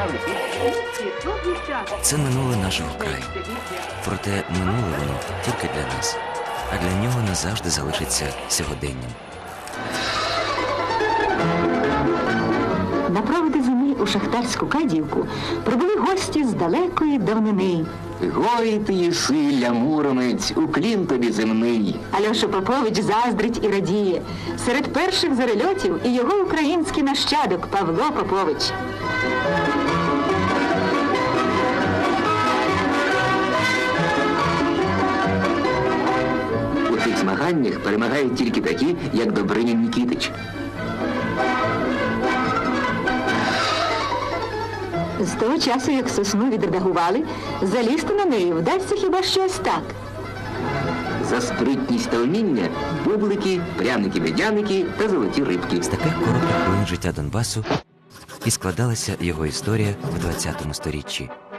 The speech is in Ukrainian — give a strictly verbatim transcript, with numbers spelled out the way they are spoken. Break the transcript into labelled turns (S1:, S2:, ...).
S1: Це минуле нашого краю. Проте минуле воно тільки для нас, а для нього назавжди залишиться сьогоденням.
S2: На проводи землі у шахтарську Кадіївку прибули гості з далекої давнини.
S3: Гой ти єси, муромець, уклін тобі земний.
S2: Альоша Попович заздрить і радіє. Серед перших зарельотів і його український нащадок Павло Попович.
S3: У цих змаганнях перемагають тільки такі, як Добринін Нікітич.
S2: З того часу, як сосну відредагували, залізти на неї вдасться хіба щось так.
S3: За спритність та вміння бублики, пряники-медяники та золоті рибки.
S1: З таких коротких хвилин життя Донбасу і складалася його історія в двадцятому сторіччі.